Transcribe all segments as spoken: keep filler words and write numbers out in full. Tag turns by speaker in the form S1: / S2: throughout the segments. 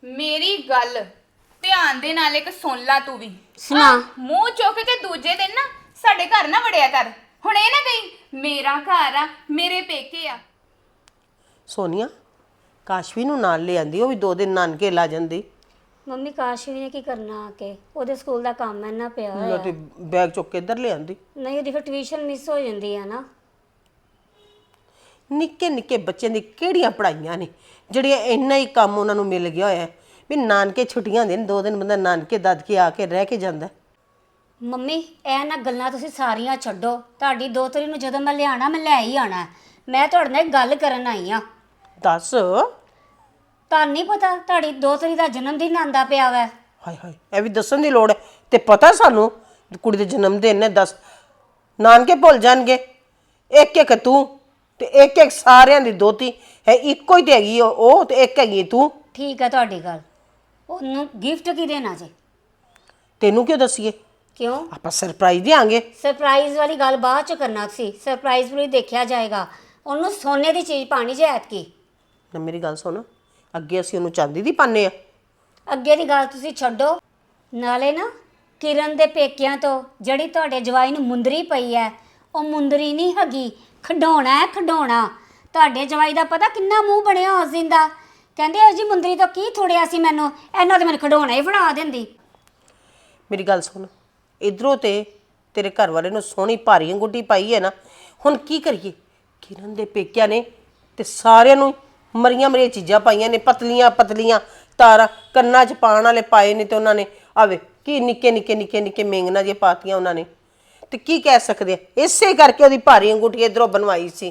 S1: ਮੇਰੀ ਗੱਲ ਧਿਆਨ ਦੇ ਨਾਲ ਇੱਕ ਸੁਣ ਲਾ ਤੂੰ ਵੀ।
S2: ਸੁਣਾ।
S1: ਆਹ, ਮੂੰਹ ਚੁੱਕ ਕੇ ਦੂਜੇ ਦਿਨ ਨਾ ਸਾਡੇ ਘਰ ਨਾ ਵੜਿਆ ਕਰ। ਹੁਣ ਇਹ ਨਾ ਕਹੀਂ ਮੇਰਾ ਘਰ ਆ, ਮੇਰੇ ਪੇਕੇ ਆ।
S3: ਸੋਨੀਆ ਕਾਸ਼ਵੀ ਨੂੰ ਨਾਲ ਲੈ ਆਂਦੀ, ਉਹ ਵੀ ਦੋ ਦਿਨ ਨਾਨਕੇ ਲਾ ਜਾਂਦੀ।
S2: ਮੰਮੀ ਕਾਸ਼ਵੀ ਨੇ ਕੀ ਕਰਨਾ ਆ ਕੇ? ਉਹਦੇ ਸਕੂਲ ਦਾ ਕੰਮ ਇੰਨਾ ਪਿਆ ਹੋਇਆ।
S3: ਤੇ ਬੈਗ ਚੁੱਕ ਕੇ ਇੱਧਰ ਲੈ ਆਂਦੀ।
S2: ਨਹੀਂ ਉਹਦੀ ਫਿਰ ਟਿਊਸ਼ਨ ਮਿਸ ਹੋ ਜਾਂਦੀ ਆ ਨਾ।
S3: ਨਿੱਕੇ ਨਿੱਕੇ ਬੱਚਿਆਂ ਦੀ ਕਿਹੜੀਆਂ ਪੜ੍ਹਾਈਆਂ ਨੇ ਜਿਹੜੀਆਂ ਇੰਨਾ ਹੀ ਕੰਮ ਉਹਨਾਂ ਨੂੰ ਮਿਲ ਗਿਆ ਹੋਇਆ ਵੀ ਨਾਨਕੇ ਛੁੱਟੀਆਂ ਹੁੰਦੀਆਂ ਨੇ, ਦੋ ਦਿਨ ਬੰਦਾ ਨਾਨਕੇ ਦਾਦਕੇ ਆ ਕੇ ਰਹਿ ਕੇ ਜਾਂਦਾ।
S2: ਮੰਮੀ ਇਹ ਨਾ ਗੱਲਾਂ ਤੁਸੀਂ ਸਾਰੀਆਂ ਛੱਡੋ। ਤੁਹਾਡੀ ਦੋਤਰੀ ਨੂੰ ਜਦੋਂ ਮੈਂ ਲਿਆਣਾ ਮੈਂ ਲੈ ਹੀ ਆਣਾ। ਮੈਂ ਤੁਹਾਡੇ ਨਾਲ ਇੱਕ ਗੱਲ ਕਰਨ ਆਈ ਆ।
S3: ਦੱਸ।
S2: ਤੁਹਾਨੂੰ ਨਹੀਂ ਪਤਾ ਤੁਹਾਡੀ ਦੋਤਰੀ ਦਾ ਜਨਮ ਦਿਨ ਆਂਦਾ ਪਿਆ ਵੈ?
S3: ਹਾਏ ਹਾਏ, ਇਹ ਵੀ ਦੱਸਣ ਦੀ ਲੋੜ ਹੈ? ਤੇ ਪਤਾ ਸਾਨੂੰ ਕੁੜੀ ਦੇ ਜਨਮ ਦਿਨ ਨੇ। ਦੱਸ, ਨਾਨਕੇ ਭੁੱਲ ਜਾਣਗੇ? ਇੱਕ ਇੱਕ ਤੂੰ ਤੇ ਇੱਕ ਇੱਕ ਸਾਰਿਆਂ ਦੀ ਦੋਤੀ ਹੈ। ਇੱਕੋ ਹੀ ਤੇ ਹੈਗੀ ਉਹ, ਤੇ ਇੱਕ ਹੈਗੀ ਤੂੰ।
S2: ਠੀਕ ਹੈ ਤੁਹਾਡੀ ਗੱਲ। ਉਹਨੂੰ ਗਿਫਟ ਕੀ ਦੇਣਾ ਜੇ?
S3: ਤੈਨੂੰ ਕਿਉਂ ਦੱਸੀਏ?
S2: ਕਿਉਂ?
S3: ਆਪਾਂ ਸਰਪ੍ਰਾਈਜ਼ ਦੇਾਂਗੇ।
S2: ਸਰਪ੍ਰਾਈਜ਼ ਵਾਲੀ ਗੱਲ ਬਾਅਦ ਚ ਕਰਨਾ ਸੀ। ਸਰਪ੍ਰਾਈਜ਼ ਵੀ ਦੇਖਿਆ ਜਾਏਗਾ। ਉਹਨੂੰ ਸੋਨੇ ਦੀ ਚੀਜ਼ ਪਾਣੀ ਜੇ ਐਤਕੀ।
S3: ਨਾ ਮੇਰੀ ਗੱਲ ਸੁਣ, ਅੱਗੇ ਅਸੀਂ ਉਹਨੂੰ ਚਾਂਦੀ ਦੀ ਪਾਉਂਦੇ ਆ।
S2: ਅੱਗੇ ਦੀ ਗੱਲ ਤੁਸੀਂ ਛੱਡੋ। ਨਾਲੇ ਨਾ ਕਿਰਨ ਦੇ ਪੇਕਿਆਂ ਤੋਂ ਜਿਹੜੀ ਤੁਹਾਡੇ ਜਵਾਈ ਨੂੰ ਮੁੰਦਰੀ ਪਈ ਹੈ, ਉਹ ਮੁੰਦਰੀ ਨਹੀਂ ਹੈਗੀ, ਖਿਡੌਣਾ ਹੈ ਖਿਡੌਣਾ। ਤੁਹਾਡੇ ਜਵਾਈ ਦਾ ਪਤਾ ਕਿੰਨਾ ਮੂੰਹ ਬਣਿਆ ਉਸ ਦਿਨ ਦਾ। ਕਹਿੰਦੇ ਉਹ ਜੀ ਮੁੰਦਰੀ ਤੋਂ ਕੀ ਥੋੜਿਆ ਸੀ ਮੈਨੂੰ, ਇਹਨਾਂ ਤੇ ਮੈਨੂੰ ਖਿਡੌਣਾ ਹੀ ਫੜਾ ਦਿੰਦੀ।
S3: ਮੇਰੀ ਗੱਲ ਸੁਣ, ਇਧਰੋਂ ਤੇ ਤੇਰੇ ਘਰ ਵਾਲੇ ਨੂੰ ਸੋਹਣੀ ਭਾਰੀ ਅੰਗੂਠੀ ਪਾਈ ਹੈ ਨਾ, ਹੁਣ ਕੀ ਕਰੀਏ? ਕਿਰਨ ਦੇ ਪੇਕਿਆਂ ਨੇ ਤੇ ਸਾਰਿਆਂ ਨੂੰ ਮਰੀਆਂ ਮਰੀਆਂ ਚੀਜ਼ਾਂ ਪਾਈਆਂ ਨੇ, ਪਤਲੀਆਂ ਪਤਲੀਆਂ ਤਾਰਾਂ ਕੰਨਾਂ 'ਚ ਪਾਉਣ ਵਾਲੇ ਪਾਏ ਨੇ, ਤੇ ਉਹਨਾਂ ਨੇ ਆਵੇ ਕੀ ਨਿੱਕੇ ਨਿੱਕੇ ਨਿੱਕੇ ਨਿੱਕੇ ਮੇਂਗਣਾ ਜੇ ਪਾਤੀਆਂ ਉਹਨਾਂ ਨੇ। ਤੇ ਕੀ ਕਹਿ ਸਕਦੇ ਆ, ਇਸੇ ਕਰਕੇ ਉਹਦੀ ਭਾਰੀ ਅੰਗੂਠੀ ਇਧਰੋਂ ਬਣਵਾਈ ਸੀ।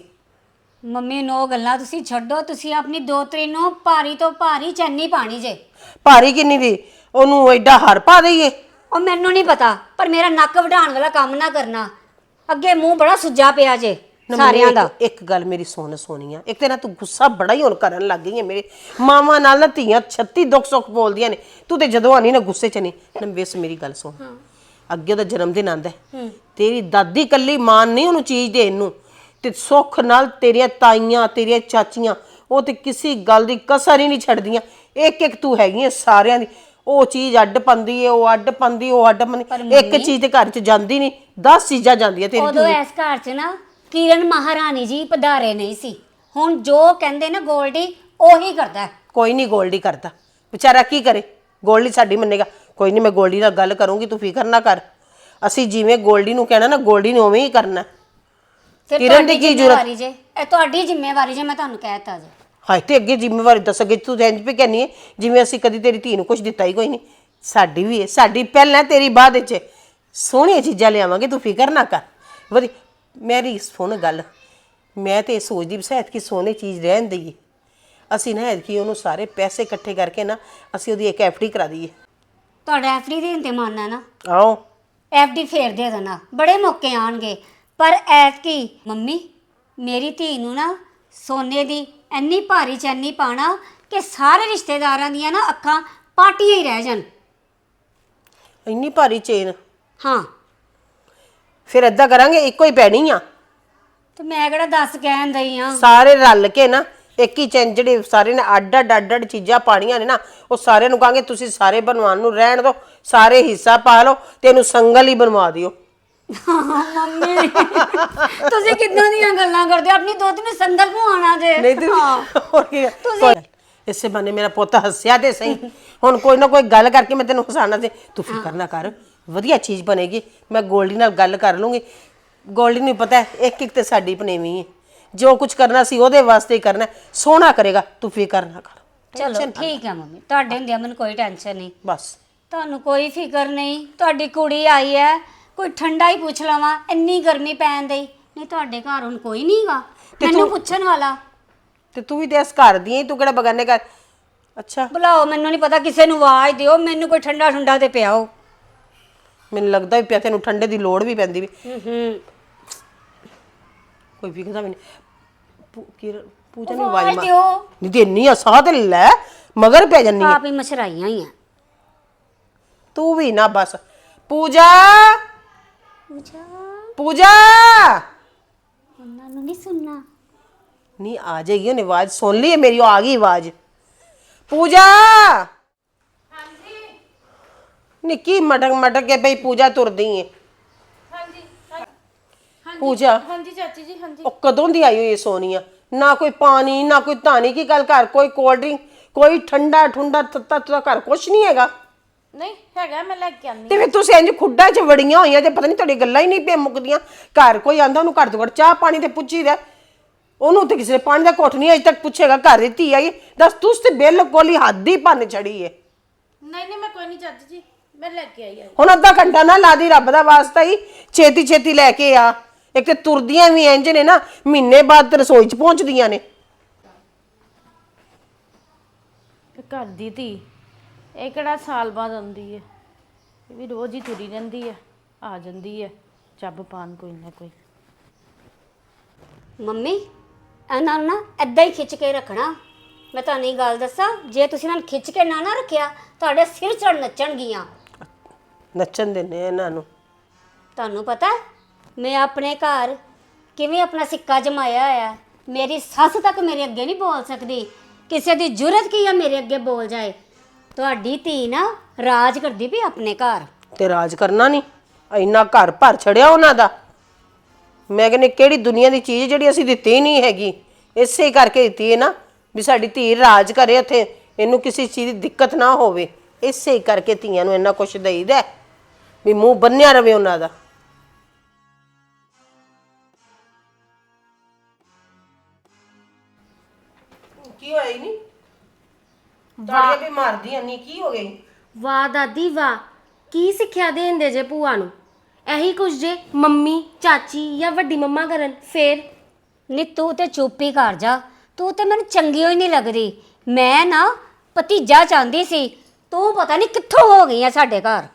S2: ਮੰਮੀ ਨੂੰ ਉਹ ਗੱਲਾਂ ਤੁਸੀਂ ਛੱਡੋ। ਤੁਸੀਂ ਆਪਣੀ ਦੋਤਰੀ ਨੂੰ ਭਾਰੀ ਤੋਂ ਭਾਰੀ ਚੈਨੀ ਪਾਣੀ ਜੇ।
S3: ਭਾਰੀ ਕਿੰਨੀ ਦੀ? ਉਹਨੂੰ ਐਡਾ ਹਾਰ ਪਾ ਦਈਏ?
S2: ਉਹ ਮੈਨੂੰ ਨਹੀਂ ਪਤਾ, ਪਰ ਮੇਰਾ ਨੱਕ ਵਢਾਉਣ ਵਾਲਾ ਕੰਮ ਨਾ ਕਰਨਾ। ਅੱਗੇ ਮੂੰਹ ਬੜਾ ਸੁੱਜਾ ਪਿਆ ਜੇ ਸਾਰਿਆਂ ਦਾ।
S3: ਇੱਕ ਇੱਕ ਗੱਲ ਮੇਰੀ ਸੁਣ ਸੋਨੀਆ, ਇੱਕ ਤੇ ਨਾ ਤੂੰ ਗੁੱਸਾ ਬੜਾ ਹੀ ਹੁਣ ਕਰਨ ਲੱਗ ਗਈ ਹੈ। ਮੇਰੇ ਮਾਵਾਂ ਨਾਲ ਨਾ ਧੀਆਂ ਛੱਤੀ ਦੁੱਖ ਸੁੱਖ ਬੋਲਦੀਆਂ ਨੇ, ਤੂੰ ਤੇ ਜਦੋਂ ਆਣੀ ਨਾ ਗੁੱਸੇ 'ਚ ਨਹੀਂ ਨਾ। ਵੇਸ ਮੇਰੀ ਗੱਲ ਸੁਣ, ਅੱਗੇ ਉਹਦਾ ਜਨਮ ਦਿਨ ਆਂਦਾ, ਤੇਰੀ ਦਾਦੀ ਕੱਲੀ ਮਾਨ ਨਹੀਂ ਉਹਨੂੰ ਚੀਜ਼ ਦੇਣ ਨੂੰ, ਤੇ ਸੁੱਖ ਨਾਲ ਤੇਰੀਆਂ ਤਾਈਆਂ ਤੇਰੀਆਂ ਚਾਚੀਆਂ ਉਹ ਤੇ ਕਿਸੇ ਗੱਲ ਦੀ ਕਸਰ ਹੀ ਨਹੀਂ ਛੱਡਦੀਆਂ। ਇੱਕ ਇੱਕ ਤੂੰ ਹੈਗੀ ਹੈ ਸਾਰਿਆਂ ਦੀ। ਉਹ ਚੀਜ਼ ਅੱਡ ਪੰਦੀ ਏ, ਉਹ ਅੱਡ ਪੰਦੀ, ਉਹ ਅੱਡ ਪੰਦੀ। ਇੱਕ ਚੀਜ਼ ਤੇ ਘਰ 'ਚ ਜਾਂਦੀ ਨਹੀਂ, ਦਸ ਚੀਜ਼ਾਂ ਜਾਂਦੀਆਂ ਤੇਰੀ।
S2: ਉਦੋਂ ਇਸ ਘਰ 'ਚ ਨਾ ਕਿਰਨ ਮਹਾਰਾਣੀ ਜੀ ਪਧਾਰੇ ਨਹੀਂ ਸੀ। ਹੁਣ ਜੋ ਕਹਿੰਦੇ ਨਾ ਗੋਲਡੀ ਉਹੀ ਕਰਦਾ।
S3: ਕੋਈ ਨਹੀਂ ਗੋਲਡੀ ਕਰਦਾ, ਵਿਚਾਰਾ ਕੀ ਕਰੇ? ਗੋਲਡੀ ਸਾਡੀ ਮੰਨੇਗਾ? ਕੋਈ ਨਹੀਂ, ਮੈਂ ਗੋਲਡੀ ਨਾਲ ਗੱਲ ਕਰੂੰਗੀ, ਤੂੰ ਫਿਕਰ ਨਾ ਕਰ। ਅਸੀਂ ਜਿਵੇਂ ਗੋਲਡੀ ਨੂੰ ਕਹਿਣਾ ਨਾ, ਗੋਲਡੀ ਨੇ ਉਵੇਂ ਹੀ ਕਰਨਾ।
S2: ਕਿਰਨ ਦੀ ਕੀ ਜ਼ਰੂਰਤ? ਜੇ ਇਹ ਤੁਹਾਡੀ ਜ਼ਿੰਮੇਵਾਰੀ ਜੇ, ਮੈਂ ਤੁਹਾਨੂੰ ਕਹਿਤਾ ਜੇ।
S3: ਹਾਏ, ਤੇ ਅੱਗੇ ਜ਼ਿੰਮੇਵਾਰੀ ਦੱਸ। ਅੱਗੇ ਤੂੰ ਇੰਜ ਵੀ ਕਹਿੰਦੀ ਹੈ ਜਿਵੇਂ ਅਸੀਂ ਕਦੀ ਤੇਰੀ ਧੀ ਨੂੰ ਕੁਝ ਦਿੱਤਾ ਹੀ ਕੋਈ ਨਹੀਂ। ਸਾਡੀ ਵੀ ਹੈ, ਸਾਡੀ ਪਹਿਲਾਂ ਤੇਰੀ ਬਾਅਦ ਵਿੱਚ। ਸੋਹਣੀਆਂ ਚੀਜ਼ਾਂ ਲਿਆਵਾਂਗੇ, ਤੂੰ ਫਿਕਰ ਨਾ ਕਰ। ਵਧੀ ਮੇਰੀ ਸੁਣ ਗੱਲ, ਮੈਂ ਤੇ ਇਹ ਸੋਚਦੀ ਵੀ ਐਤਕੀ ਸੋਹਣੀ ਚੀਜ਼ ਰਹਿਣ ਦਈਏ। ਅਸੀਂ ਨਾ ਐਤਕੀ ਉਹਨੂੰ ਸਾਰੇ ਪੈਸੇ ਇਕੱਠੇ ਕਰਕੇ ਨਾ ਅਸੀਂ ਉਹਦੀ ਇੱਕ ਐਫ ਡੀ ਕਰਾ ਦਈਏ।
S2: ਤੁਹਾਡਾ ਐਫ ਡੀ ਦੇਣ ਤੇ ਮਨ ਹੈ ਨਾ?
S3: ਆਓ
S2: ਐਫ ਡੀ ਫੇਰ ਦੇ ਦੇਣਾ, ਬੜੇ ਮੌਕੇ ਆਣਗੇ। ਪਰ ਐਤਕੀ ਮੰਮੀ ਮੇਰੀ ਧੀ ਨੂੰ ਨਾ ਸੋਨੇ ਦੀ ਇੰਨੀ ਭਾਰੀ ਚੈਨੀ ਪਾਣਾ ਕਿ ਸਾਰੇ ਰਿਸ਼ਤੇਦਾਰਾਂ ਦੀਆਂ ਨਾ ਅੱਖਾਂ ਪਾਟੀਆਂ ਹੀ ਰਹਿ ਜਾਣ।
S3: ਇੰਨੀ ਭਾਰੀ ਚੇਨ?
S2: ਹਾਂ।
S3: ਫਿਰ ਏਦਾਂ ਕਰਾਂਗੇ, ਇੱਕੋ ਹੀ ਪੈਣੀ ਆ।
S2: ਤੇ ਮੈਂ ਕਿਹੜਾ ਦੱਸ ਕਹਿਣ ਦਈ ਆ।
S3: ਸਾਰੇ ਰਲ ਕੇ ਨਾ ਇੱਕ ਹੀ ਚੈਨ, ਜਿਹੜੇ ਸਾਰੇ ਨੇ ਅੱਡ ਅੱਡ ਅੱਡ ਅੱਡ ਚੀਜ਼ਾਂ ਪਾਣੀਆਂ ਨੇ ਨਾ, ਉਹ ਸਾਰਿਆਂ ਨੂੰ ਕਹਾਂਗੇ ਤੁਸੀਂ ਸਾਰੇ ਬਣਵਾਉਣ ਨੂੰ ਰਹਿਣ ਦਿਓ, ਸਾਰੇ ਹਿੱਸਾ ਪਾ ਲਓ ਤੇ ਇਹਨੂੰ ਸੰਗਲ ਹੀ ਬਣਵਾ ਦਿਓ।
S2: ਮੰਮੀ ਤੁਸੀਂ ਕਿੱਦਾਂ ਦੀਆਂ ਗੱਲਾਂ ਕਰਦੇ ਹੋ? ਆਪਣੀ ਦੋਤੀ ਨੂੰ ਸੰਗਲ ਪਵਾਉਣਾ ਜੇ?
S3: ਨਹੀਂ ਤੇ ਹੋਰ ਕੀ। ਇਸੇ ਬਹਾਨੇ ਮੇਰਾ ਪੁੱਤ ਹੱਸਿਆ ਤੇ ਸਹੀ। ਹੁਣ ਕੋਈ ਨਾ ਕੋਈ ਗੱਲ ਕਰਕੇ ਮੈਂ ਤੈਨੂੰ ਹਸਾਣਾ ਤੇ ਤੂੰ ਫਿਕਰ ਨਾ ਕਰ, ਵਧੀਆ ਚੀਜ਼ ਬਣੇਗੀ। ਮੈਂ ਗੋਲਡੀ ਨਾਲ ਗੱਲ ਕਰ ਲੂੰਗੀ। ਗੋਲਡੀ ਨੂੰ ਪਤਾ ਹੈ ਇੱਕ ਇੱਕ ਤੇ ਸਾਡੀ ਪਨੇਵੀਂ ਹੈ, ਜੋ ਕੁਝ ਕਰਨਾ ਸੀ ਉਹਦੇ ਵਾਸਤੇ ਹੀ ਕਰਨਾ, ਸੋਹਣਾ ਕਰੇਗਾ, ਤੂੰ ਫਿਕਰ ਨਾ ਕਰ।
S2: ਚਲੋ ਠੀਕ ਹੈ ਮੰਮੀ, ਤੁਹਾਡੇ ਹੁੰਦਿਆਂ ਮੈਨੂੰ ਕੋਈ ਟੈਨਸ਼ਨ ਨਹੀਂ।
S3: ਬਸ
S2: ਤੁਹਾਨੂੰ ਕੋਈ ਫਿਕਰ ਨਹੀਂ। ਤੁਹਾਡੀ ਕੁੜੀ ਆਈ ਹੈ, ਕੋਈ ਠੰਡਾ ਹੀ ਪੁੱਛ ਲਵਾਂ, ਇੰਨੀ ਗਰਮੀ ਪੈਣ ਦੀ। ਨਹੀਂ ਤੁਹਾਡੇ ਘਰ ਹੁਣ ਕੋਈ ਨਹੀਂਗਾ ਮੈਨੂੰ ਪੁੱਛਣ ਵਾਲਾ।
S3: ਤੇ ਤੂੰ ਵੀ ਤੇ ਇਸ ਘਰ ਦੀ ਹੈ, ਤੂੰ ਕਿਹੜਾ ਬਗਾਨੇ ਘਰ? ਅੱਛਾ
S2: ਬੁਲਾਓ, ਮੈਨੂੰ ਨਹੀਂ ਪਤਾ, ਕਿਸੇ ਨੂੰ ਆਵਾਜ਼ ਦਿਓ, ਮੈਨੂੰ ਕੋਈ ਠੰਡਾ ਠੰਡਾ ਤੇ ਪਿਆਓ।
S3: ਮੈਨੂੰ ਲੱਗਦਾ ਵੀ ਪਿਆ ਤੈਨੂੰ ਠੰਡੇ ਦੀ ਲੋੜ ਵੀ ਪੈਂਦੀ ਵੀ।
S2: ਹੂੰ ਹੂੰ
S3: ਕੋਈ ਵਿਖਦਾ ਵੀ ਨਹੀਂ। ਪੂਜਾ ਨੂੰ ਆਵਾਜ਼ ਮਾਰ।
S2: ਦਿਓ।
S3: ਨਹੀਂ ਤੇ ਇੰਨੀ ਆ ਸਾਹ ਤੇ ਲੈ ਮਗਰ ਪੈ ਜੰਨੀ
S2: ਆਪ ਹੀ ਮਛਰਾਈਆਂ ਹੀ ਆ।
S3: ਤੂੰ ਵੀ ਨਾ ਬਸ। ਪੂਜਾ
S2: ਪੂਜਾ
S3: ਪੂਜਾ
S2: ਉਹਨਾਂ ਨੂੰ ਨਹੀਂ ਸੁਣਨਾ।
S3: नहीं आ जाएगी, आवाज सुन ली है मेरी, आ गई आवाज। पूजा ਨਿੱਕੀ ਮਟਕ ਮਟਕ ਕੇ ਬਈ ਪੂਜਾ ਤੁਰਦੀ ਏ।
S4: ਹਾਂਜੀ ਹਾਂ- ਹਾਂਜੀ
S3: ਪੂਜਾ
S4: ਹਾਂਜੀ ਚਾਚੀ ਜੀ ਹਾਂਜੀ।
S3: ਉਹ ਕਦੋਂ ਦੀ ਆਈ ਹੋਈ ਏ ਸੋਨੀਆ? ਨਾ ਕੋਈ ਪਾਣੀ ਨਾ ਕੋਈ ਧਾਨੀ ਕੀ ਗੱਲ, ਘਰ ਕੋਈ ਕੋਲਡ ਡਰਿੰਕ, ਕੋਈ ਠੰਡਾ ਠੁੰਡਾ ਤੱਤਾ ਤੱਤਾ, ਘਰ ਕੁਛ ਨਹੀਂ ਹੈਗਾ।
S4: ਨਹੀਂ ਹੈਗਾ, ਮੈਂ ਲੈ ਕੇ ਆਨੀ।
S3: ਤੇ ਫਿਰ ਤੁਸੀਂ ਇੰਜ ਖੁੱਡਾਂ 'ਚ ਵੜੀਆਂ ਹੋਈਆਂ ਤੇ ਪਤਾ ਨਹੀਂ ਤੁਹਾਡੀ ਗੱਲਾਂ ਹੀ ਨਹੀਂ ਪੇ ਮੁੱਕਦੀਆਂ। ਘਰ ਕੋਈ ਆਂਦਾ ਉਹਨੂੰ ਘੱਟ ਤੋਂ ਘੱਟ ਚਾਹ ਪਾਣੀ ਤੇ ਪੁੱਛੀਦਾ, ਉਹਨੂੰ ਤੇ ਕਿਸੇ ਨੇ ਪਾਣੀ ਦਾ ਘੁੱਟ ਨਹੀਂ ਅਜੇ ਤੱਕ ਪੁੱਛੇਗਾ। ਘਰ ਦੀ ਧੀ ਆਈ ਦੱਸ, ਤੁਸੀਂ ਤੇ ਬਿਲਕੁਲ ਹੀ ਹੱਦ ਹੀ ਭੰਨ ਚੜੀ ਏ।
S4: ਨਹੀਂ ਨਹੀਂ ਮੈਂ ਕੋਈ ਨਹੀਂ ਚਾਚੀ ਜੀ, ਮੈਂ ਲੈ ਕੇ ਆਈ ਆ।
S3: ਹੁਣ ਅੱਧਾ ਘੰਟਾ ਨਾ ਲਾ ਦੀ, ਰੱਬ ਦਾ ਵਾਸਤਾ ਹੀ ਛੇਤੀ ਛੇਤੀ ਲੈ ਕੇ ਆ। ਇੱਕ ਤੇ ਤੁਰਦੀਆਂ ਵੀ ਇੰਜ ਨੇ ਨਾ, ਮਹੀਨੇ ਬਾਅਦ ਤੇ ਰਸੋਈ 'ਚ ਪਹੁੰਚਦੀਆਂ ਨੇ।
S4: ਘਰ ਦੀ ਧੀ ਇਹ ਕਿਹੜਾ ਸਾਲ ਬਾਅਦ ਆਉਂਦੀ ਹੈ, ਇਹ ਵੀ ਰੋਜ਼ ਹੀ ਤੁਰੀ ਰਹਿੰਦੀ ਹੈ, ਆ ਜਾਂਦੀ ਹੈ ਚੱਬ ਪਾਣ ਕੋਈ ਨਾ ਕੋਈ।
S2: ਮੰਮੀ ਇਹਨਾਂ ਨੂੰ ਨਾ ਏਦਾਂ ਹੀ ਖਿੱਚ ਕੇ ਰੱਖਣਾ। ਮੈਂ ਤੁਹਾਨੂੰ ਇਹ ਗੱਲ ਦੱਸਾਂ, ਜੇ ਤੁਸੀਂ ਇਹਨਾਂ ਨੂੰ ਖਿੱਚ ਕੇ ਨਾ ਨਾ ਰੱਖਿਆ, ਤੁਹਾਡੇ ਸਿਰ ਚੜ ਨੱਚਣਗੀਆਂ।
S3: ਨੱਚਣ ਦਿੰਦੇ ਇਹਨਾਂ ਨੂੰ।
S2: ਤੁਹਾਨੂੰ ਪਤਾ ਹੈ, ਮੈਂ ਆਪਣੇ ਘਰ ਕਿਵੇਂ ਆਪਣਾ ਸਿੱਕਾ ਜਮਾਇਆ ਹੋਇਆ। ਮੇਰੀ ਸੱਸ ਤੱਕ ਮੇਰੇ ਅੱਗੇ ਨਹੀਂ ਬੋਲ ਸਕਦੀ, ਕਿਸੇ ਦੀ ਜੁਰਤ ਕੀ ਆ ਮੇਰੇ ਅੱਗੇ ਬੋਲ ਜਾਏ। ਤੁਹਾਡੀ ਧੀ ਨਾ ਰਾਜ ਕਰਦੀ ਵੀ ਆਪਣੇ ਘਰ।
S3: ਤੇ ਰਾਜ ਕਰਨਾ ਨਹੀਂ, ਇੰਨਾ ਘਰ ਭਰ ਛੜਿਆ ਉਹਨਾਂ ਦਾ। ਮੈਂ ਕਹਿੰਦੀ ਕਿਹੜੀ ਦੁਨੀਆ ਦੀ ਚੀਜ਼ ਜਿਹੜੀ ਅਸੀਂ ਦਿੱਤੀ ਨਹੀਂ ਹੈਗੀ, ਇਸੇ ਕਰਕੇ ਦਿੱਤੀ ਹੈ ਨਾ ਵੀ ਸਾਡੀ ਧੀ ਰਾਜ ਕਰੇ ਉੱਥੇ, ਇਹਨੂੰ ਕਿਸੇ ਚੀਜ਼ ਦੀ ਦਿੱਕਤ ਨਾ ਹੋਵੇ। ਇਸੇ ਕਰਕੇ ਧੀਆਂ ਨੂੰ ਇੰਨਾ ਕੁਛ ਦੇਈਦਾ ਵੀ ਮੂੰਹ ਬੰਨਿਆ ਰਵੇ ਉਹਨਾਂ ਦਾ। ਕੀ ਹੋਇਆ ਹੀ ਨਹੀਂ ਤਾੜੀਆਂ ਵੀ ਮਾਰਦੀਆਂ ਨਹੀਂ, ਕੀ ਹੋ ਗਈ?
S5: ਵਾਹ ਦਾਦੀ ਵਾਹ, ਕੀ ਸਿੱਖਿਆ ਦੇਂਦੇ ਜੇ ਭੂਆ ਨੂੰ? ਇਹੀ ਕੁਝ ਜੇ ਮੰਮੀ ਚਾਚੀ ਜਾਂ ਵੱਡੀ ਮੰਮਾ ਕਰਨ ਫੇਰ?
S2: ਨੀ ਤੂੰ ਤੇ ਚੁੱਪ ਹੀ ਕਰ ਜਾ, ਤੂੰ ਤੇ ਮੈਨੂੰ ਚੰਗੀ ਹੋਈ ਨਹੀਂ ਲੱਗਦੀ। ਮੈਂ ਨਾ ਭਤੀਜਾ ਚਾਹੁੰਦੀ ਸੀ, ਤੂੰ ਪਤਾ ਨਹੀਂ ਕਿੱਥੋਂ ਹੋ ਗਈ ਆ ਸਾਡੇ ਘਰ।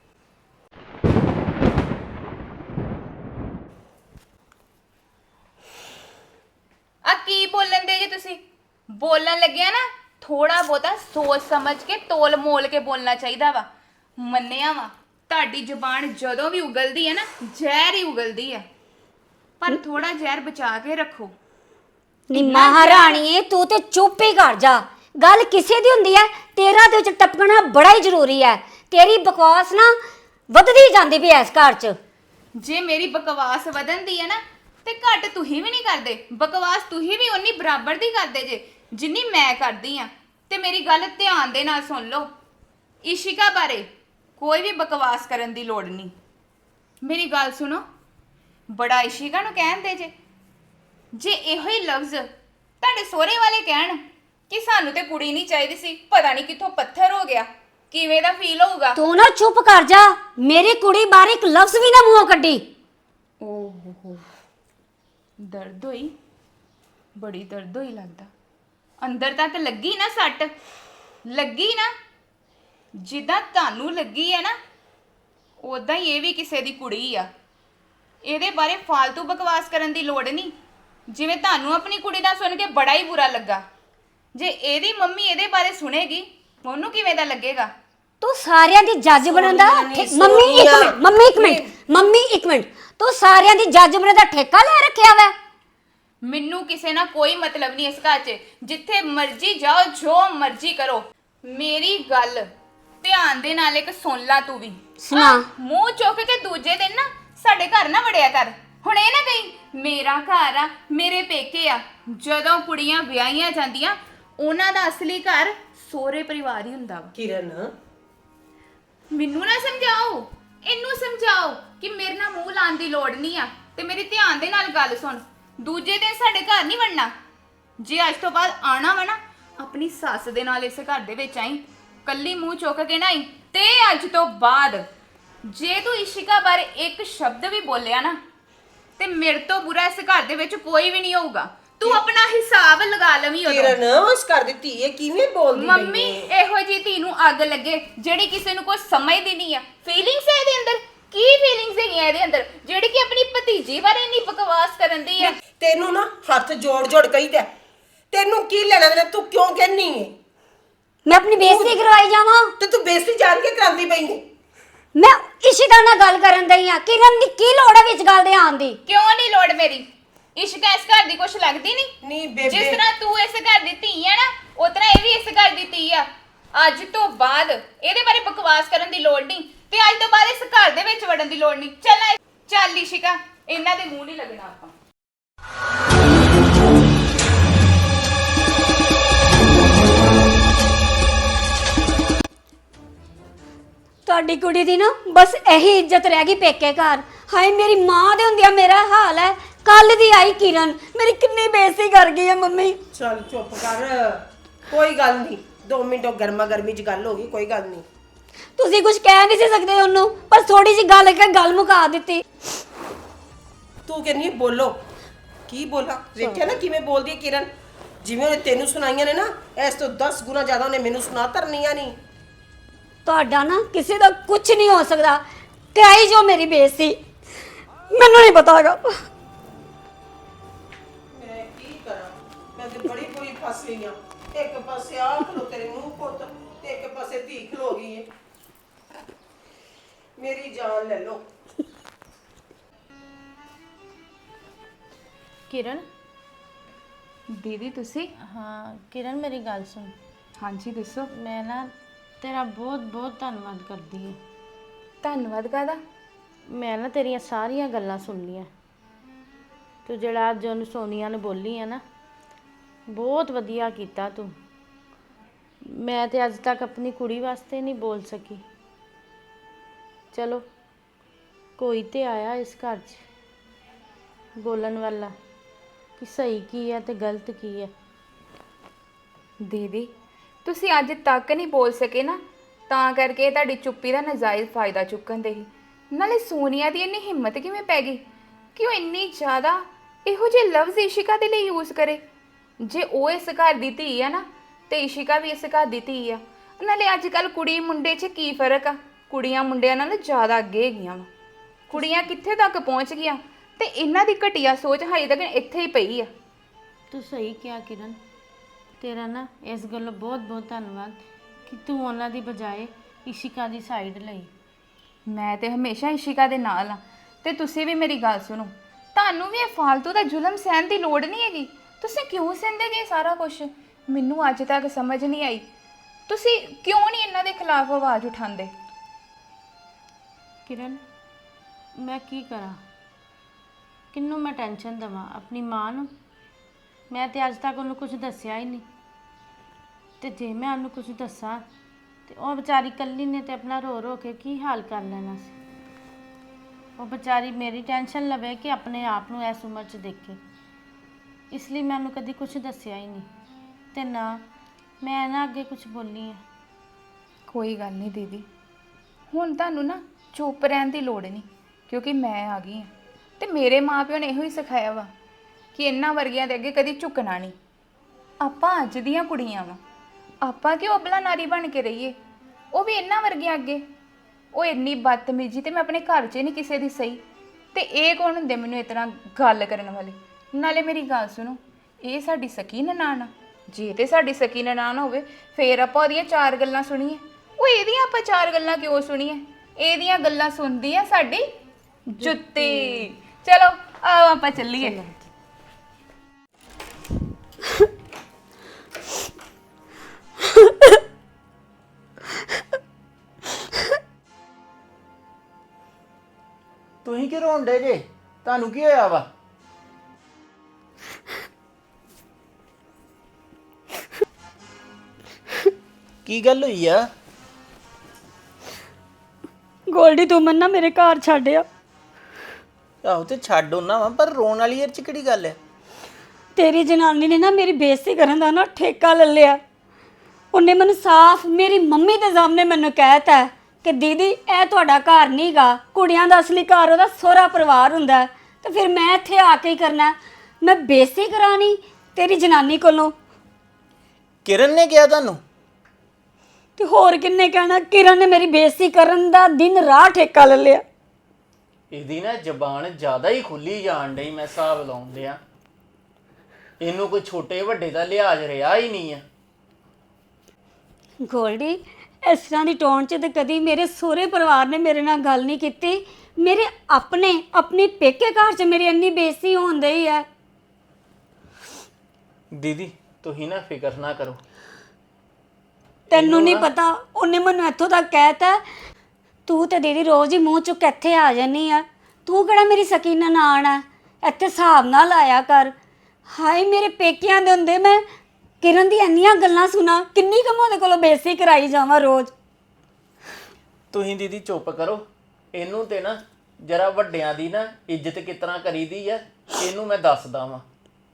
S1: ਆ ਕੀ ਬੋਲਣ ਦੇ ਜੇ ਤੁਸੀਂ? ਬੋਲਣ ਲੱਗਿਆ ਨਾ ਥੋੜਾ ਬਹੁਤਾ ਸੋਚ ਸਮਝ ਕੇ ਤੋਲ ਮੋਲ ਕੇ ਬੋਲਣਾ ਚਾਹੀਦਾ ਵਾ। ਮੰਨਿਆ ਵਾ ਤੁਹਾਡੀ ਜ਼ੁਬਾਨ ਜਦੋਂ ਵੀ ਉਗਲਦੀ ਹੈ ਨਾ, ਜ਼ਹਿਰ ਹੀ ਉਗਲਦੀ ਹੈ, ਪਰ ਥੋੜਾ ਜ਼ਹਿਰ ਬਚਾ ਕੇ ਰੱਖੋ।
S2: ਨੀ ਮਹਾਰਾਣੀਏ ਤੂੰ ਤੇ ਚੁੱਪ ਹੀ ਕਰ ਜਾ। ਗੱਲ ਕਿਸੇ ਦੀ ਹੁੰਦੀ ਹੈ, ਤੇਰਾ ਦੇ ਵਿੱਚ ਟਪਕਣਾ ਬੜਾ ਹੀ ਜ਼ਰੂਰੀ ਹੈ। ਤੇਰੀ ਬਕਵਾਸ ਨਾ ਵੱਧਦੀ ਜਾਂਦੀ ਪਈ ਇਸ ਘਰ 'ਚ।
S1: ਜੇ ਮੇਰੀ ਬਕਵਾਸ ਵਧਣ ਦੀ ਹੈ ਨਾ, ਤੇ ਘੱਟ ਤੁਸੀਂ ਵੀ ਨਹੀਂ ਕਰਦੇ। ਬਕਵਾਸ ਤੁਸੀਂ ਵੀ ਉਨੀ ਬਰਾਬਰ ਦੀ ਕਰਦੇ ਜੇ ਜਿੰਨੀ ਮੈਂ ਕਰਦੀ ਆ। ਤੇ ਮੇਰੀ ਗੱਲ ਧਿਆਨ ਦੇ ਨਾਲ ਸੁਣ ਲਓ, ਇਸ਼ਿਕਾ ਬਾਰੇ ਕੋਈ ਵੀ ਬਕਵਾਸ ਕਰਨ ਦੀ ਲੋੜ ਨਹੀਂ। ਮੇਰੀ ਗੱਲ ਸੁਣੋ, ਬੜਾ ਇਸ਼ਿਕਾ ਨੂੰ ਕਹਿੰਦੇ ਜੇ, ਜੇ ਇਹੋ ਹੀ ਲਫ਼ਜ਼ ਤੁਹਾਡੇ ਸਹੁਰੇ ਵਾਲੇ ਕਹਿਣ ਕਿ ਸਾਨੂੰ ਤੇ ਕੁੜੀ ਨਹੀਂ ਚਾਹੀਦੀ ਸੀ, ਪਤਾ ਨਹੀਂ ਕਿੱਥੋਂ ਪੱਥਰ ਹੋ ਗਿਆ, ਕਿਵੇਂ ਦਾ ਫੀਲ ਹੋਊਗਾ?
S2: ਤੂੰ ਨਾ ਚੁੱਪ ਕਰ ਜਾ, ਮੇਰੀ ਕੁੜੀ ਬਾਰੇ ਇੱਕ ਲਫ਼ਜ਼ ਵੀ ਨਾ ਮੂੰਹੋਂ ਕੱਢੀ।
S1: ਓਹ ਹੋ, ਦਰਦ ਹੋਈ, ਬੜੀ ਦਰਦ ਹੋਈ ਲੱਗਦਾ। ਅੰਦਰ ਤੱਕ ਲੱਗੀ ਨਾ ਸੱਟ, ਲੱਗੀ ਨਾ, ਜਿੱਦਾਂ ਤੁਹਾਨੂੰ ਲੱਗੀ ਹੈ ਨਾ, ਉਦਾਂ ਹੀ ਇਹ ਵੀ ਕਿਸੇ ਦੀ ਕੁੜੀ ਆ। ਇਹਦੇ ਬਾਰੇ ਫालतू ਬਕਵਾਸ ਕਰਨ ਦੀ ਲੋੜ ਨਹੀਂ। ਜਿਵੇਂ ਤੁਹਾਨੂੰ ਆਪਣੀ ਕੁੜੀ ਦਾ ਸੁਣ ਕੇ ਬੜਾ ਹੀ ਬੁਰਾ ਲੱਗਾ, ਜੇ ਇਹਦੀ ਮੰਮੀ ਇਹਦੇ ਬਾਰੇ ਸੁਣੇਗੀ ਉਹਨੂੰ ਕਿਵੇਂ ਦਾ ਲੱਗੇਗਾ?
S2: ਤੂੰ ਸਾਰਿਆਂ ਦੀ ਜੱਜ ਬਣਨ ਦਾ
S3: ਸੋਨੀਆ ਨੀ,
S2: ਠੇ- ਮੰਮੀ ਇੱਕ
S3: ਸੋਨੀਆ।
S2: ਮਿੰਟ ਮੰਮੀ ਇੱਕ ਮਿੰਟ ਮੰਮੀ ਇੱਕ ਮਿੰਟ ਤੂੰ ਸਾਰਿਆਂ ਦੀ ਜੱਜ ਬਣਨ ਦਾ ਠੇਕਾ ਲੈ ਰੱਖਿਆ ਵੈ।
S1: ਮੈਨੂੰ ਕਿਸੇ ਨਾਲ ਕੋਈ ਮਤਲਬ ਨਹੀਂ ਇਸ ਘਰ 'ਚ। ਜਿੱਥੇ ਮਰਜ਼ੀ ਜਾਓ, ਜੋ ਮਰਜ਼ੀ ਕਰੋ, ਮੇਰੀ ਗੱਲ ਧਿਆਨ ਦੇ ਨਾਲ ਇੱਕ ਸੁਣ ਲਾ ਤੂੰ ਵੀ।
S2: ਸੁਣਾ।
S1: ਆਹ, ਮੂੰਹ ਚੁੱਕ ਕੇ ਦੂਜੇ ਦਿਨ ਨਾ ਸਾਡੇ ਘਰ ਨਾ ਵੜਿਆ ਕਰ। ਹੁਣ ਇਹ ਨਾ ਕਹੀਂ ਮੇਰਾ ਘਰ ਆ, ਮੇਰੇ ਪੇਕੇ ਆ। ਜਦੋਂ ਕੁੜੀਆਂ ਵਿਆਹੀਆਂ ਜਾਂਦੀਆਂ, ਉਹਨਾਂ ਦਾ ਅਸਲੀ ਘਰ ਸਹੁਰੇ ਪਰਿਵਾਰ ਹੀ ਹੁੰਦਾ ਵਾ।
S3: ਕਿਰਨ
S1: ਮੈਨੂੰ ਨਾ ਸਮਝਾਓ, ਇਹਨੂੰ ਸਮਝਾਓ ਕਿ ਮੇਰੇ ਨਾਲ ਮੂੰਹ ਲਾਉਣ ਦੀ ਲੋੜ ਨਹੀਂ ਆ। ਤੇ ਮੇਰੀ ਧਿਆਨ ਦੇ ਨਾਲ ਗੱਲ ਸੁਣ, ਦੂਜੇ ਦਿਨ ਸਾਡੇ ਘਰ ਨਹੀਂ ਵੜਨਾ। ਜੇ ਅੱਜ ਤੋਂ ਬਾਅਦ ਆਣਾ ਵਾ ਨਾ, ਆਪਣੀ ਸੱਸ ਦੇ ਨਾਲ ਇਸ ਘਰ ਦੇ ਵਿੱਚ ਆਈ, ਕੱਲੀ ਮੂੰਹ ਚੁੱਕ ਕੇ ਨਾ ਆਈ। ਤੇ ਅੱਜ ਤੋਂ ਬਾਅਦ ਜੇ ਤੂੰ ਇਸ਼ਿਕਾ ਬਾਰੇ ਇੱਕ ਸ਼ਬਦ ਵੀ ਬੋਲਿਆ ਨਾ, ਤੇ ਮੇਰੇ ਤੋਂ ਬੁਰਾ ਇਸ ਘਰ ਦੇ ਵਿੱਚ ਕੋਈ ਵੀ ਨਹੀਂ ਹੋਊਗਾ। ਤੂੰ ਆਪਣਾ ਹਿਸਾਬ ਲਗਾ ਲਵੀਂ ਉਦੋਂ।
S3: ਕਿਰਨ ਉਸ ਘਰ ਦੀ ਧੀ ਹੈ, ਕਿਵੇਂ ਬੋਲਦੀ ਪਈ
S1: ਮੰਮੀ
S3: ਏ?
S1: ਇਹੋ ਜੀ ਧੀ ਨੂੰ ਅੱਗ ਲੱਗੇ ਜਿਹੜੀ ਕਿਸੇ ਨੂੰ ਕੋਈ ਸਮਝਦੀ ਨਹੀਂ ਆ। ਫੀਲਿੰਗਸ ਹੈ ਇਹਦੇ ਅੰਦਰ, ਕੀ ਫੀਲਿੰਗਸ ਹੈਗੀਆਂ ਇਹਦੇ ਅੰਦਰ ਜਿਹੜੀ ਕਿ ਆਪਣੀ ਭਤੀਜੀ ਬਾਰੇ ਨਹੀਂ ਬਕਵਾਸ ਕਰਨ ਦੀ ਆ?
S3: ਤੈਨੂੰ ਨਾ ਹੱਥ ਜੋੜ ਜੋੜ ਕਹੀਦਾ, ਤੈਨੂੰ ਕੀ ਲੈਣਾ ਦੇਣਾ? ਤੂੰ ਕਿਉਂ ਕਹਿਨੀ ਏ?
S2: ਮੈਂ ਆਪਣੀ ਬੇਇੱਜ਼ਤੀ ਕਰਵਾਈ ਜਾਵਾਂ?
S3: ਤੇ ਤੂੰ ਬੇਇੱਜ਼ਤੀ ਜਾਣ ਕੇ ਕਰਾਂਦੀ ਪਈ ਏ।
S2: ਮੈਂ ਇਸ਼ਿਕਾ ਨਾਲ ਗੱਲ ਕਰਨ ਦਈ ਆ। ਕਿਰਨ ਦੀ ਕੀ ਲੋੜ ਹੈ ਵਿੱਚ ਗੱਲ ਦੇ ਆਉਣ ਦੀ?
S1: ਕਿਉਂ ਨਹੀਂ ਲੋੜ ਮੇਰੀ? ਇਸ਼ਕਾ ਇਸ ਘਰ ਦੀ ਕੁਛ ਲੱਗਦੀ ਨਹੀਂ?
S3: ਨਹੀਂ ਬੇਬੇ,
S1: ਜਿਸ ਤਰ੍ਹਾਂ ਤੂੰ ਇਸ ਘਰ ਦੀ ਧੀ ਆ ਨਾ, ਉਸ ਤਰ੍ਹਾਂ ਇਹ ਵੀ ਇਸ ਘਰ ਦੀ ਧੀ ਆ। ਅੱਜ ਤੋਂ ਬਾਅਦ ਇਹਦੇ ਬਾਰੇ ਬਕਵਾਸ ਕਰਨ ਦੀ ਲੋੜ ਨਹੀਂ ਤੇ ਅੱਜ ਤੋਂ ਬਾਅਦ ਇਸ ਘਰ ਦੇ ਵਿੱਚ ਵੜਨ ਦੀ ਲੋੜ ਨਹੀਂ। ਚੱਲ ਆ- ਚੱਲ ਇਸ਼ਿਕਾ, ਇਹਨਾਂ ਦੇ ਮੂੰਹ ਨਹੀਂ ਲੱਗਣਾ ਆਪਾਂ।
S2: ਤੁਹਾਡੀ ਕੁੜੀ ਦੀ ਨਾ ਬਸ ਇਹੀ ਇੱਜ਼ਤ ਰਹਿ ਗਈ ਪੇਕੇ ਘਰ। ਹਾਏ ਮੇਰੀ ਮਾਂ ਦੇ ਹੁੰਦਿਆਂ ਮੇਰਾ ਹਾਲ ਹੈ। ਕੱਲ ਦੀ ਆਈ ਕਿਰਨ, ਮੇਰੀ ਕਿੰਨੀ ਬੇਇੱਜ਼ਤੀ ਕਰ ਗਈ ਹੈ ਮੰਮੀ।
S3: ਚੱਲ ਚੁੱਪ ਕਰ, ਕੋਈ ਗੱਲ ਨਹੀਂ। ਦੋ ਮਿੰਟ ਉਹ ਗਰਮਾ ਗਰਮੀ ਚ ਗੱਲ ਹੋ ਗਈ, ਕੋਈ ਗੱਲ ਨਹੀਂ।
S2: ਤੁਸੀਂ ਕੁਝ ਕਹਿ ਨਹੀਂ ਸੀ ਸਕਦੇ ਉਹਨੂੰ, ਪਰ ਥੋੜੀ ਜਿਹੀ ਗੱਲ ਕਰਕੇ ਗੱਲ ਮੁਕਾ ਦਿੱਤੀ।
S3: ਤੂੰ ਕਹਿੰਦੀ ਹੈ ਬੋਲੋ, ਕੀ ਬੋਲਾਂ? ਵੇਖਿਆ ਨਾ ਕਿਵੇਂ ਬੋਲਦੀ ਹੈ ਕਿਰਨ, ਜਿਵੇਂ ਉਹਨੇ ਤੈਨੂੰ ਸੁਣਾਈਆਂ ਨੇ ਨਾ, ਇਸ ਤੋਂ ਦਸ ਗੁਣਾ ਜ਼ਿਆਦਾ ਉਹਨੇ ਮੈਨੂੰ ਸੁਣਾ ਧਰਨੀਆਂ ਨਹੀਂ।
S2: ਤੁਹਾਡਾ ਨਾ ਕਿਸੇ ਦਾ ਕੁਝ ਨਹੀਂ ਹੋ ਸਕਦਾ। ਕਰਾਈ ਜੋ ਮੇਰੀ ਬੇਇੱਜ਼ਤੀ, ਮੈਨੂੰ ਨਹੀਂ ਪਤਾ ਹੈਗਾ।
S3: ਮੈਂ ਕੀ ਕਰਾਂ, ਮੈਂ ਤੇ ਬੜੀ ਬੁਰੀ ਫਸ ਗਈ ਆ। ਇੱਕ ਪਾਸੇ ਆ ਖਲੋ ਤੇਰੇ ਮੂੰਹ ਪੁੱਤ, ਤੇ ਇੱਕ ਪਾਸੇ ਧੀ ਖਲੋ ਗਈ ਏ। ਮੇਰੀ ਜਾਨ ਲੈ ਲਓ।
S4: ਕਿਰਨ,
S1: ਦੀਦੀ ਤੁਸੀਂ?
S4: ਹਾਂ ਕਿਰਨ ਮੇਰੀ ਗੱਲ ਸੁਣ।
S1: ਹਾਂਜੀ ਦੱਸੋ।
S4: ਮੈਂ ਨਾ ਤੇਰਾ ਬਹੁਤ ਬਹੁਤ ਧੰਨਵਾਦ ਕਰਦੀ ਹਾਂ।
S1: ਧੰਨਵਾਦ ਕਾਹਦਾ?
S4: ਮੈਂ ਨਾ ਤੇਰੀਆਂ ਸਾਰੀਆਂ ਗੱਲਾਂ ਸੁਣ ਲਈਆਂ। ਤੂੰ ਜਿਹੜਾ ਅੱਜ ਉਹਨੂੰ ਸੋਨੀਆ ਨੂੰ ਬੋਲੀ ਆ ਨਾ, ਬਹੁਤ ਵਧੀਆ ਕੀਤਾ ਤੂੰ। ਮੈਂ ਤੇ ਅੱਜ ਤੱਕ ਆਪਣੀ ਕੁੜੀ ਵਾਸਤੇ ਨਹੀਂ ਬੋਲ ਸਕੀ। ਚਲੋ ਕੋਈ ਤੇ ਆਇਆ ਇਸ ਘਰ 'ਚ ਬੋਲਣ ਵਾਲਾ ਕਿ ਸਹੀ ਕੀ ਹੈ ਤੇ ਗਲਤ ਕੀ ਹੈ।
S1: ਦੀਦੀ ਤੁਸੀਂ ਅੱਜ ਤੱਕ ਨਹੀਂ ਬੋਲ ਸਕੇ ਨਾ, ਤਾਂ ਕਰਕੇ ਤੁਹਾਡੀ ਚੁੱਪੀ ਦਾ ਨਜਾਇਜ਼ ਫਾਇਦਾ ਚੁੱਕਣ ਦੇ ਹੀ। ਨਾਲੇ ਸੋਨੀਆ ਦੀ ਇੰਨੀ ਹਿੰਮਤ ਕਿਵੇਂ ਪੈ ਗਈ ਕਿ ਉਹ ਇੰਨੀ ਜ਼ਿਆਦਾ ਇਹੋ ਜਿਹੇ ਲਫ਼ਜ਼ ਇਸ਼ਿਕਾ ਦੇ ਲਈ ਯੂਜ਼ ਕਰੇ। ਜੇ ਉਹ ਇਸ ਘਰ ਦੀ ਧੀ ਆ ਨਾ, ਤੇ ਇਸ਼ਿਕਾ ਵੀ ਇਸ ਘਰ ਦੀ ਧੀ ਆ। ਨਾਲੇ ਅੱਜ ਕੱਲ ਕੁੜੀ ਮੁੰਡੇ 'ਚ ਕੀ ਫਰਕ ਆ? ਕੁੜੀਆਂ ਮੁੰਡਿਆਂ ਨਾਲ ਜ਼ਿਆਦਾ ਅੱਗੇ ਹੈਗੀਆਂ ਵਾ। ਕੁੜੀਆਂ ਕਿੱਥੇ ਤੱਕ ਪਹੁੰਚ ਗਈਆਂ ਤੇ ਇਹਨਾਂ ਦੀ ਘਟੀਆ ਸੋਚ ਹਾਈ ਤੱਕ ਇੱਥੇ ਹੀ ਪਈ ਆ।
S4: ਤੂੰ ਸਹੀ ਕਿਹਾ ਕਿਰਨ, ਤੇਰਾ ਨਾ ਇਸ ਗੱਲੋਂ ਬਹੁਤ ਬਹੁਤ ਧੰਨਵਾਦ ਕਿ ਤੂੰ ਉਹਨਾਂ ਦੀ ਬਜਾਏ ਇਸ਼ਿਕਾ ਦੀ ਸਾਈਡ ਲਈ।
S1: ਮੈਂ ਤੇ ਹਮੇਸ਼ਾ ਇਸ਼ਿਕਾ ਦੇ ਨਾਲ ਆ। ਤੇ ਤੁਸੀਂ ਵੀ ਮੇਰੀ ਗੱਲ ਸੁਣੋ, ਤੁਹਾਨੂੰ ਵੀ ਇਹ ਫालतू ਦਾ ਜ਼ੁਲਮ ਸਹਿਣ ਦੀ ਲੋੜ ਨਹੀਂ ਹੈਗੀ। ਤੁਸੀਂ ਕਿਉਂ ਸਹਿੰਦੇ ਜੇ ਸਾਰਾ ਕੁਝ? ਮੈਨੂੰ ਅੱਜ ਤੱਕ ਸਮਝ ਨਹੀਂ ਆਈ ਤੁਸੀਂ ਕਿਉਂ ਨਹੀਂ ਇਹਨਾਂ ਦੇ ਖਿਲਾਫ ਆਵਾਜ਼ ਉਠਾਉਂਦੇ।
S4: ਕਿਰਨ ਮੈਂ ਕੀ ਕਰਾਂ, ਕਿਹਨੂੰ ਮੈਂ ਟੈਨਸ਼ਨ ਦੇਵਾਂ? ਆਪਣੀ ਮਾਂ ਨੂੰ? ਮੈਂ ਤੇ ਅੱਜ ਤੱਕ ਉਹਨੂੰ ਕੁਝ ਦੱਸਿਆ ਹੀ ਨਹੀਂ, ਤੇ ਜੇ ਮੈਂ ਉਹਨੂੰ ਕੁਝ ਦੱਸਾਂ ਤੇ ਉਹ ਵਿਚਾਰੀ ਇਕੱਲੀ ਨੇ ਤੇ ਆਪਣਾ ਰੋ ਰੋ ਕੇ ਕੀ ਹਾਲ ਕਰ ਲੈਣਾ ਸੀ। ਉਹ ਵਿਚਾਰੀ ਮੇਰੀ ਟੈਨਸ਼ਨ ਲਵੇ ਕਿ ਆਪਣੇ ਆਪ ਨੂੰ ਇਸ ਉਮਰ 'ਚ ਦੇਖੇ, ਇਸ ਲਈ ਮੈਂ ਉਹਨੂੰ ਕਦੀ ਕੁਝ ਦੱਸਿਆ ਹੀ ਨਹੀਂ, ਤੇ ਨਾ ਮੈਂ ਨਾ ਅੱਗੇ ਕੁਝ ਬੋਲੀ ਆ।
S1: ਕੋਈ ਗੱਲ ਨਹੀਂ ਦੀਦੀ, ਹੁਣ ਤੁਹਾਨੂੰ ਨਾ ਚੁੱਪ ਰਹਿਣ ਦੀ ਲੋੜ ਨਹੀਂ, ਕਿਉਂਕਿ ਮੈਂ ਆ ਗਈ ਹਾਂ ਤੇ ਮੇਰੇ ਮਾਪਿਓ ਨੇ ਇਹੋ ਹੀ ਸਿਖਾਇਆ ਵਾ ਕਿ ਇਹਨਾਂ ਵਰਗਿਆਂ ਦੇ ਅੱਗੇ ਕਦੀ ਝੁਕਣਾ ਨਹੀਂ। ਆਪਾਂ ਅੱਜ ਦੀਆਂ ਕੁੜੀਆਂ ਵਾ, ਆਪਾਂ ਕਿਉਂ ਅਬਲਾ ਨਾਰੀ ਬਣ ਕੇ ਰਹੀਏ? ਉਹ ਵੀ ਇਹਨਾਂ ਵਰਗਿਆਂ ਅੱਗੇ। ਉਹ ਇੰਨੀ ਬਦਤਮੀਜੀ ਤੇ ਮੈਂ ਆਪਣੇ ਘਰ 'ਚ ਨਹੀਂ ਕਿਸੇ ਦੀ ਸਹੀ, ਤੇ ਇਹ ਕੌਣ ਹੁੰਦੇ ਮੈਨੂੰ ਇਸ ਤਰ੍ਹਾਂ ਗੱਲ ਕਰਨ ਵਾਲੇ? ਨਾਲੇ ਮੇਰੀ ਗੱਲ ਸੁਣੋ, ਇਹ ਸਾਡੀ ਸਕੀ ਨਨਾਣ ਆ। ਜੇ ਤੇ ਸਾਡੀ ਸਕੀ ਨਨਾਣ ਹੋਵੇ ਫੇਰ ਆਪਾਂ ਉਹਦੀਆਂ ਚਾਰ ਗੱਲਾਂ ਸੁਣੀਏ। ਉਹ ਇਹਦੀਆਂ ਆਪਾਂ ਚਾਰ ਗੱਲਾਂ ਕਿਉਂ ਸੁਣੀਏ? ਇਹਦੀਆਂ ਗੱਲਾਂ ਸੁਣਦੀ ਆ ਸਾਡੀ ਜੁੱਤੀ। ਚਲੋ ਆਓ ਆਪਾਂ ਚੱਲੀਏ।
S6: ਤੁਸੀਂ ਕਿ ਰੋਂਡੇ ਜੇ? ਤੁਹਾਨੂੰ ਕੀ ਹੋਇਆ ਵਾ? ਕੀ ਗੱਲ ਹੋਈ ਆ?
S2: ਗੋਲਡੀ ਤੂੰ ਮੈਨੂੰ ਨਾ ਮੇਰੇ ਘਰ ਛੱਡਿਆ।
S6: ਆਹੋ ਤੇ ਛੱਡ ਉਹਨਾਂ ਵਾ, ਪਰ ਰੋਣ ਵਾਲੀ ਇਹ ਚ ਕਿਹੜੀ ਗੱਲ ਹੈ?
S2: ਤੇਰੀ ਜਨਾਨੀ ਨੇ ਨਾ ਮੇਰੀ ਬੇਇੱਜ਼ਤੀ ਕਰਨ ਦਾ ਨਾ ਠੇਕਾ ਲੈ ਲਿਆ। ਉਹਨੇ ਮੈਨੂੰ ਸਾਫ਼ ਮੇਰੀ ਮੰਮੀ ਦੇ ਸਾਹਮਣੇ ਮੈਨੂੰ ਕਹਿਤਾ ਕਿ ਦੀਦੀ ਇਹ ਤੁਹਾਡਾ ਘਰ ਨਹੀਂਗਾ, ਕੁੜੀਆਂ ਦਾ ਅਸਲੀ ਘਰ ਉਹਦਾ ਸਹੁਰਾ ਪਰਿਵਾਰ ਹੁੰਦਾ ਹੈ। ਤੇ ਫਿਰ ਮੈਂ ਇੱਥੇ ਆ ਕੇ ਹੀ ਕਰਨਾ? ਮੈਂ ਬੇਇੱਜ਼ਤੀ ਕਰਾਣੀ ਤੇਰੀ ਜਨਾਨੀ ਕੋਲੋਂ?
S6: ਕਿਰਨ ਨੇ ਕਿਹਾ ਤੁਹਾਨੂੰ?
S2: ਤੇ ਹੋਰ ਕਿੰਨੇ ਕਹਿਣਾ? ਕਿਰਨ ਨੇ ਮੇਰੀ ਬੇਇੱਜ਼ਤੀ ਕਰਨ ਦਾ ਦਿਨ ਰਾਹ ਠੇਕਾ ਲੈ ਲਿਆ।
S6: ਇਹਦੀ ਨਾ ਜ਼ਬਾਨ ਜ਼ਿਆਦਾ ਹੀ ਖੁੱਲੀ ਜਾਣ ਡਈ, ਮੈਂ ਹਿਸਾਬ ਲਾਉਣ ਡਿਆ। ਇਹਨੂੰ ਕੋਈ ਛੋਟੇ ਵੱਡੇ ਦਾ ਲਿਹਾਜ਼ ਰਿਹਾ ਹੀ ਨਹੀਂ ਆ।
S2: ਗੋਲਡੀ ਇਸ ਤਰ੍ਹਾਂ ਦੀ ਟੋਨ 'ਚ ਤੇ ਕਦੀ ਮੇਰੇ ਸਹੁਰੇ ਪਰਿਵਾਰ ਨੇ ਮੇਰੇ ਨਾਲ ਗੱਲ ਨਹੀਂ ਕੀਤੀ। ਮੇਰੇ ਆਪਣੇ ਆਪਣੀ ਪੇਕੇ ਘਰ 'ਚ ਮੇਰੀ ਇੰਨੀ ਬੇਇੱਜ਼ਤੀ ਹੋਣ ਡਈ ਹੈ।
S6: ਦੀਦੀ ਤੁਸੀਂ ਨਾ ਫਿਕਰ ਨਾ ਕਰੋ,
S2: ਤੈਨੂੰ ਨਹੀਂ ਪਤਾ, ਉਹਨੇ ਮੈਨੂੰ ਇੱਥੋਂ ਤੱਕ ਕਹਿਤਾ ਤੂੰ ਤੇ ਦੀਦੀ ਰੋਜ਼ ਹੀ ਮੂੰਹ ਚੁੱਕ ਇੱਥੇ ਆ ਜਾਨੀ ਆ, ਤੂੰ ਕਿਹੜਾ ਮੇਰੀ ਸਕੀ ਨਨਾਣ ਆ, ਇੱਥੇ ਹਿਸਾਬ ਨਾਲ ਆਇਆ ਕਰ। ਹਾਏ ਮੇਰੇ ਪੇਕਿਆਂ ਦੇ ਹੁੰਦੇ ਮੈਂ ਕਿਰਨ ਦੀ ਇੰਨੀਆਂ ਗੱਲਾਂ ਸੁਣਾ, ਕਿੰਨੀ ਕੁ ਮੈਂ ਉਹਦੇ ਕੋਲੋਂ ਬੇਇੱਜ਼ਤੀ ਕਰਾਈ ਜਾਵਾਂ ਰੋਜ਼।
S6: ਤੁਸੀਂ ਦੀਦੀ ਚੁੱਪ ਕਰੋ, ਇਹਨੂੰ ਤੇ ਨਾ ਜਰਾ ਵੱਡਿਆਂ ਦੀ ਨਾ ਇੱਜ਼ਤ ਕਿਸ ਤਰ੍ਹਾਂ ਕਰੀਦੀ ਆ ਇਹਨੂੰ ਮੈਂ ਦੱਸਦਾ ਵਾਂ।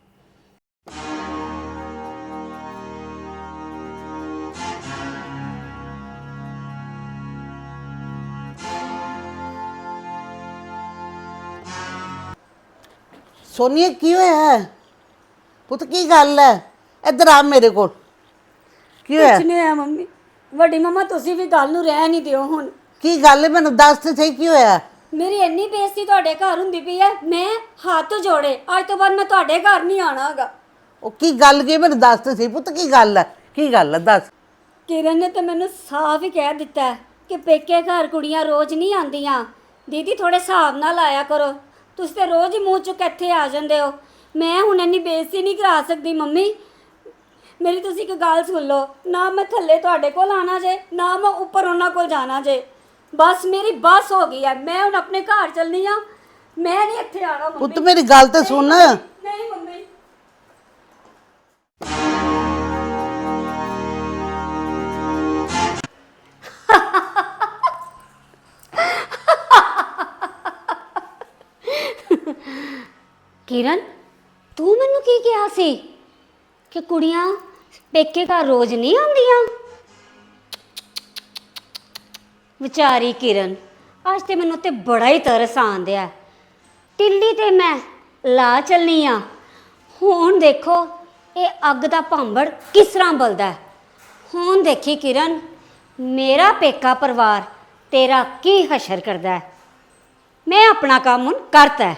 S7: ਸੋਨੀਆ ਕੀ ਹੋਇਆ ਹੈ? ਪੁੱਤ ਕੀ ਗੱਲ ਹੈ? ਇੱਧਰ ਆ ਮੇਰੇ ਕੋਲ। ਕੀ ਹੋਇਆ?
S2: ਕੁਛ ਨਹੀਂ ਹੋਇਆ ਮੰਮੀ। ਵੱਡੀ ਮੰਮਾ ਤੁਸੀਂ ਵੀ ਗੱਲ ਨੂੰ ਰਹਿ ਨਹੀਂ ਦਿਓ ਹੁਣ।
S7: ਕੀ ਗੱਲ ਹੈ? ਮੈਨੂੰ ਦੱਸ ਤੇ ਸਹੀ ਕੀ ਹੋਇਆ?
S2: ਮੇਰੀ ਇੰਨੀ ਬੇਇੱਜ਼ਤੀ ਤੁਹਾਡੇ ਘਰ ਹੁੰਦੀ ਪਈ ਹੈ, ਮੈਂ ਹੱਥ ਜੋੜੇ ਅੱਜ ਤੋਂ ਬਾਅਦ ਮੈਂ ਤੁਹਾਡੇ ਘਰ ਨਹੀਂ ਆਣਾ ਹੈਗਾ।
S7: ਉਹ ਕੀ ਗੱਲ ਕੀ? ਮੈਨੂੰ ਦੱਸ ਤੇ ਸਹੀ ਪੁੱਤ ਕੀ ਗੱਲ ਹੈ? ਕੀ ਗੱਲ ਹੈ ਦੱਸ।
S2: ਕਿਰਨ ਨੇ ਤਾਂ ਮੈਨੂੰ ਸਾਫ਼ ਹੀ ਕਹਿ ਦਿੱਤਾ ਹੈ ਕਿ ਪੇਕੇ ਘਰ ਕੁੜੀਆਂ ਰੋਜ਼ ਨਹੀਂ ਆਉਂਦੀਆਂ। ਦੀਦੀ ਥੋੜੇ ਹਿਸਾਬ ਨਾਲ ਆਇਆ ਕਰੋ, ਤੁਸੀਂ ਤੇ ਰੋਜ਼ ਹੀ ਮੂੰਹ ਚੁੱਕ ਇੱਥੇ ਆ ਜਾਂਦੇ ਹੋ। ਮੈਂ ਹੁਣ ਇੰਨੀ ਬੇਇੱਜ਼ਤੀ ਨਹੀਂ ਕਰਾ ਸਕਦੀ ਮੰਮੀ। ਮੇਰੀ ਤੁਸੀਂ ਇੱਕ ਗੱਲ ਸੁਣ ਲਓ, ਨਾ ਮੈਂ ਥੱਲੇ ਤੁਹਾਡੇ ਕੋਲ ਆਣਾ ਜੇ, ਨਾ ਮੈਂ ਉੱਪਰ ਉਹਨਾਂ ਕੋਲ ਜਾਣਾ ਜੇ। ਬਸ ਮੇਰੀ ਬਸ ਹੋ ਗਈ ਹੈ, ਮੈਂ ਹੁਣ ਆਪਣੇ ਘਰ ਚੱਲਣੀ ਆ, ਮੈਂ ਨਹੀਂ ਇੱਥੇ ਆਣਾ ਮੰਮੀ।
S7: ਪੁੱਤ ਮੇਰੀ ਗੱਲ ਤੇ ਸੁਣ।
S2: ਨਹੀਂ ਮੰਮੀ। ਕਿਰਨ ਤੂੰ ਮੈਨੂੰ ਕੀ ਕਿਹਾ ਸੀ ਕਿ ਕੁੜੀਆਂ ਪੇਕੇ ਘਰ ਰੋਜ਼ ਨਹੀਂ ਆਉਂਦੀਆਂ? ਵਿਚਾਰੀ ਕਿਰਨ, ਅੱਜ ਤੇ ਮੈਨੂੰ ਤੇ ਬੜਾ ਹੀ ਤਰਸ ਆਂਦਿਆ। ਟਿੱਲੀ ਤੇ ਮੈਂ ਲਾ ਚੱਲਨੀ ਆ, ਹੁਣ ਦੇਖੋ ਇਹ ਅੱਗ ਦਾ ਭਾਂਬੜ ਕਿਸ ਤਰ੍ਹਾਂ ਬਲਦਾ। ਹੁਣ ਦੇਖੀ ਕਿਰਨ, ਮੇਰਾ ਪੇਕਾ ਪਰਿਵਾਰ ਤੇਰਾ ਕੀ ਹਸ਼ਰ ਕਰਦਾ ਹੈ। ਮੈਂ ਆਪਣਾ ਕੰਮ ਹੁਣ ਕਰਤਾ।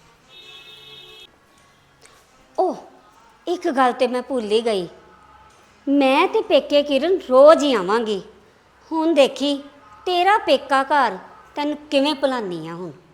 S2: ਓਹ ਇੱਕ ਗੱਲ ਤੇ ਮੈਂ ਭੁੱਲ ਹੀ ਗਈ, ਮੈਂ ਤੇ ਪੇਕੇ ਕਿਰਨ ਰੋਜ਼ ਹੀ ਆਵਾਂਗੀ। ਹੁਣ ਦੇਖੀ ਤੇਰਾ ਪੇਕਾ ਘਰ ਤੈਨੂੰ ਕਿਵੇਂ ਭੁਲਾਨੀ ਆ ਹੁਣ।